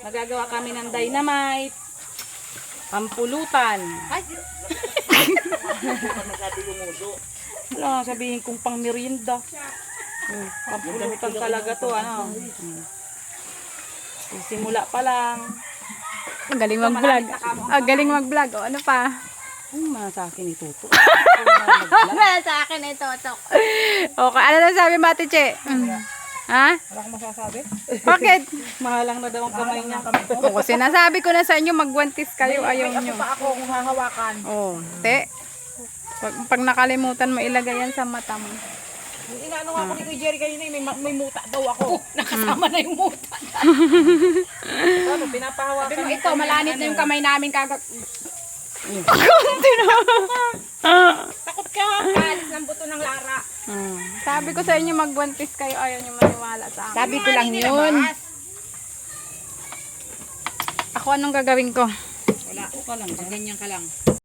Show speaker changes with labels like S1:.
S1: Nagagawa kami ng dynamite. Pampulutan.
S2: Ay,
S1: Wala, sabihin kong pang merienda. Pampulutan talaga to, ano. Simula pa lang.
S3: Ang galing mag-vlog. Ang galing mag-vlog. O, ano pa?
S1: Ano man sa akin ito to?
S3: Wala sa akin ito, Tok. Okay, ano na sabi, Mati Che? Ha?
S1: Wala akong masasabi.
S3: Bakit?
S1: Mahalang na daw ang kamay niya.
S3: Oo, sinasabi ko na sa inyo, magwantis kayo, ayaw nyo.
S2: pa ako kung hahawakan.
S3: Oo, te. Pag nakalimutan mo, ilagay yan sa mata mo.
S2: Inaano nga ako ni Kuya Jerry kanina, may muta daw ako.
S1: Nakasama na yung muta. Ano, pinapahawakan.
S2: Sabi mo, ito, malanit na yung kamay namin kagag... Takot ka, alis ng buto ng Lara.
S3: Sabi ko sa inyo, magwantis kayo, ayaw nyo maniwala sa akin.
S2: Sabi ko lang yun.
S3: Ako, anong gagawin ko?
S1: Wala, ka lang. Ganyan ka lang.